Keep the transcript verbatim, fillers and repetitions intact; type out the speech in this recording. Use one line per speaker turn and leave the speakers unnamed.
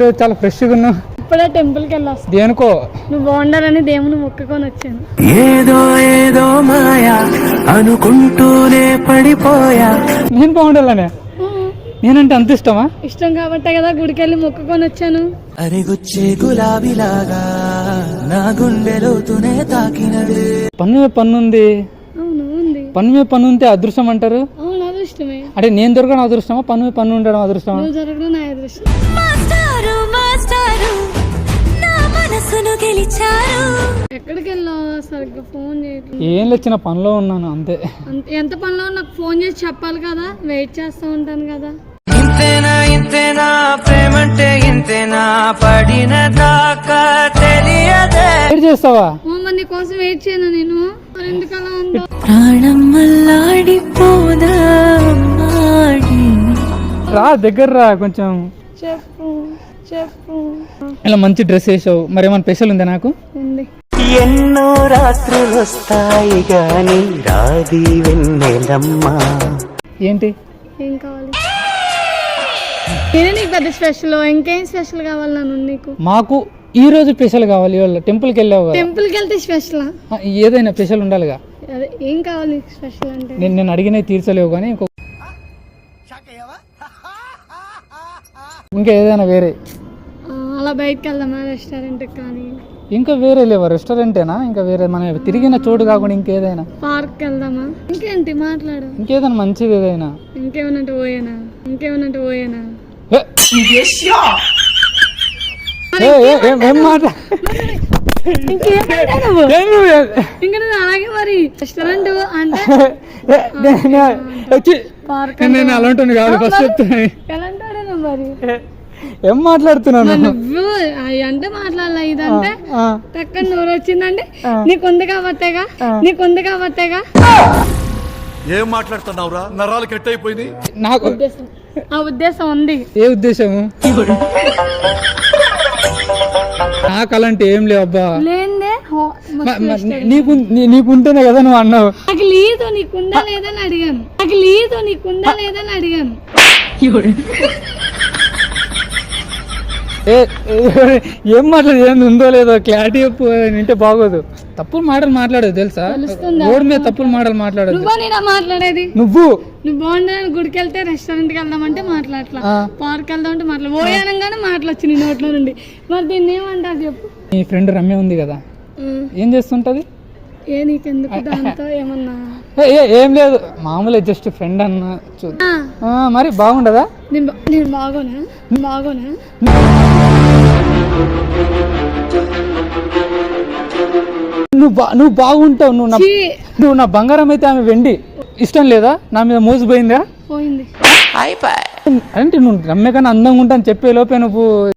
చాలా ఫ్రెష్గా ఉన్నావు.
ఇప్పుడే టెంపుల్కి వెళ్ళొస్తా.
దేనికో?
నువ్వు బాగుండాలని దేవుని మొక్కుకొని వచ్చాను.
ఏదో ఏదో మాయా అనుకుంటూనే పడిపోయా.
నేను బాగుండాలనే? నేనంటే అంత ఇష్టమా?
ఇష్టం కాబట్టే కదా గుడికి వెళ్ళి మొక్కుకొని వచ్చాను.
అరిగుచ్చే గులాబీలాగా నా గుండెలోతునే తాకినదే.
పన్ను మీద పన్ను ఉంది.
అవును ఉంది.
పన్ను మీద పన్ను ఉంటే అదృష్టం అంటారు.
అవును అదృష్టమే.
అంటే నేను దొరకడం అదృష్టమా, పన్ను మీద పన్ను ఉండడం అదృష్టమా?
నువ్వు జరగడం నా అదృష్టం. ఎక్కడికి వెళ్ళావు? సరిగ్గా ఫోన్ చేయట్లేదు.
ఏం లేచిన పనిలో ఉన్నాను అంతే.
ఎంత పనిలో నాకు ఫోన్ చేసి చెప్పాలి కదా, వెయిట్ చేస్తూ ఉంటాను కదా.
ఇంతేనా ఇంతేనా ప్రేమంటే ఇంతేనా పడిన దాకా తెలియదే.
వెయిట్ చేస్తావా?
మరి నీ కోసం వెయిట్ చేయను నేను. మరి ఎందుకలా ఉందో?
ప్రాణం మల్లాడిపోదా
రా దగ్గర రా కొంచెం.
చెప్పు చెప్పు.
ఇలా మంచి డ్రెస్ వేసావు, మరి ఏమైనా స్పెషల్ ఉందా? నాకు
ఉంది.
ఎన్నో రాత్రులు వస్తాయి గాని రాది వెన్నెలమ్మా.
ఏంటి?
ఏం కావాలి? నేనే నీకు పెద్ద స్పెషల్. ఇంకేం స్పెషల్ కావాలి నన్ను నీకు?
మాకు ఈ రోజు స్పెషల్ కావాలి. ఇవాళ టెంపుల్కి వెళ్ళావు కదా.
టెంపుల్కి వెళ్తే స్పెషల్?
ఏదైనా స్పెషల్ ఉండాలిగా.
అదే ఏం కావాలి స్పెషల్ అంటే?
నేను నేను అడిగినవి తీర్చలేవు కానీ ఇంకో ఇంకా ఏదైనా వేరే.
అలా బయటకు వెళ్దామా రెస్టారెంట్కి కానీ?
ఇంకా వేరే లేవా? రెస్టారెంటేనా? ఇంకా వేరే మన తిరిగిన చోటు కాకుండా ఇంకేదైనా?
పార్క్ వెళ్దామా? ఇంకేంటి మాట్లాడు.
ఇంకేదైనా మంచిది ఏదైనా.
ఇంకేమనంటే ఓయేనా? ఇంకేమనంటే ఓయేనా?
ఏం మాట?
ఇంకా నేను అలాగే మరి రెస్టారెంట్ అంటే పార్క్
నేను అలాంటి కాదు. ఫస్ట్ చెప్తున్నా.
ఎలాంటాడేనా మరి?
ఏం మాట్లాడుతున్నాను?
నువ్వు అంటే మాట్లాడాల. ఇదంటే టక్కన నోరు వచ్చిందంటే నీకుంది కాబట్టేగా, నీకుంది కాబట్టేగా.
ఏం మాట్లాడుతున్నావురా? నరాలు కట్ అయిపోయింది.
నాకు
ఆ ఉద్దేశం ఉంది.
ఏ ఉద్దేశము? నాకు అలాంటి ఏం లేవు అబ్బా.
లేదే
నీకు నీకుంటేనే కదా నువ్వు అన్నావు.
నాకు లేదు. నీకుందా లేదని అడిగాను. నాకు లేదు. నీకుందా లేదని అడిగాను.
ఏం మాట్లాడదు? ఏం ఉందో లేదో క్లారిటీ చెప్పు. వింటే బాగోదు. తప్పులు మాటలు మాట్లాడదు తెలుసా? రోడ్ మీద తప్పులు మాటలు మాట్లాడదు.
నువ్వు నేనా మాట్లాడేది?
నువ్వు
నువ్వు బాగుండాలని గుడికి వెళ్తే రెస్టారెంట్కి వెళ్దామంటే మాట్లాడలా, పార్క్ వెళ్దాం అంటే మాట్లా ఓయానంగానే మాట్లాడచ్చు నీ నోట్లో నుండి. మరి దీన్ని ఏమంటారు చెప్పు?
నీ ఫ్రెండ్ రమ్య ఉంది కదా, ఏం చేస్తుంటది?
ఏ నీకెందుకు దాంతో ఏమన్నా?
ఏం లేదు, మామూలు జస్ట్ ఫ్రెండ్ అన్న. మరి బాగుండదా?
నేను బాగోనా? బాగోనా?
నువ్వు బా నువ్వు బాగుంటావు. నువ్వు నువ్వు నా బంగారం అయితే ఆమె వెండి. ఇష్టం లేదా? నా మీద మోసపోయిందా?
పోయింది.
అంటే నువ్వు రమ్య కన్నా అందంగా ఉంటా అని చెప్పే లోపే నువ్వు